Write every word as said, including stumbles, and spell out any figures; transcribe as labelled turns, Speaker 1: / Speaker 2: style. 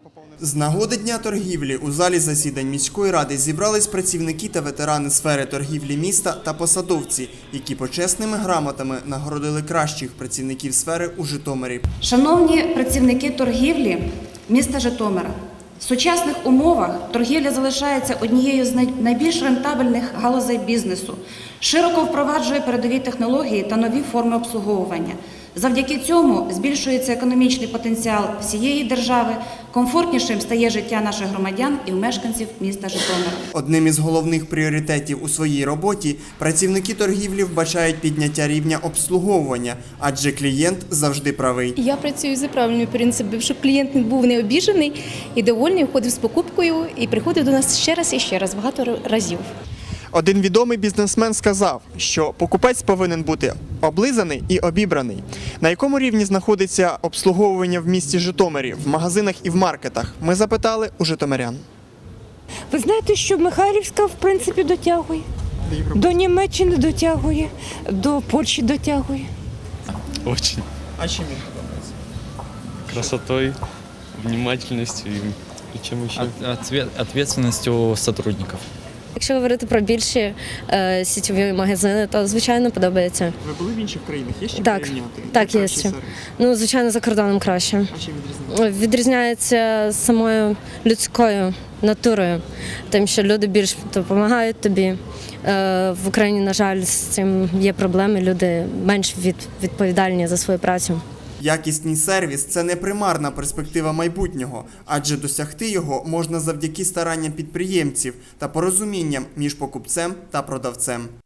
Speaker 1: З нагоди Дня торгівлі у залі засідань міської ради зібрались працівники та ветерани сфери торгівлі міста та посадовці, які почесними грамотами нагородили кращих працівників сфери у Житомирі.
Speaker 2: Шановні працівники торгівлі міста Житомира, в сучасних умовах торгівля залишається однією з найбільш рентабельних галузей бізнесу, широко впроваджує передові технології та нові форми обслуговування. Завдяки цьому збільшується економічний потенціал всієї держави, комфортнішим стає життя наших громадян і мешканців міста Житомира.
Speaker 1: Одним із головних пріоритетів у своїй роботі працівники торгівлі вбачають підняття рівня обслуговування, адже клієнт завжди правий.
Speaker 3: Я працюю за правильним принципом, щоб клієнт не був не обіжений і довольний, входив з покупкою і приходив до нас ще раз і ще раз, багато разів.
Speaker 1: Один відомий бізнесмен сказав, що покупець повинен бути облизаний і обібраний. На якому рівні знаходиться обслуговування в місті Житомирі, в магазинах і в маркетах? Ми запитали у житомирян.
Speaker 4: Ви знаєте, що Михайлівська, в принципі, дотягує. До Німеччини дотягує, до Польщі дотягує.
Speaker 5: Очень.
Speaker 1: А чим він подобається?
Speaker 5: Красотой, внимательностью и, и чем еще?
Speaker 6: Ответ, ответственностью сотрудников.
Speaker 7: Якщо говорити про більші е, сітєві магазини, то звичайно подобається.
Speaker 1: Ви були в інших країнах? Є ще
Speaker 7: Так,
Speaker 1: порівняти?
Speaker 7: так, є
Speaker 1: Кращий
Speaker 7: ще.
Speaker 1: сервіс?
Speaker 7: Ну, звичайно, за кордоном краще.
Speaker 1: А чим відрізняється?
Speaker 7: Відрізняється самою людською натурою, тим, що люди більш допомагають тобі. Е, в Україні, на жаль, з цим є проблеми, люди менш від, відповідальні за свою працю.
Speaker 1: Якісний сервіс – це не примарна перспектива майбутнього, адже досягти його можна завдяки старанням підприємців та порозумінням між покупцем та продавцем.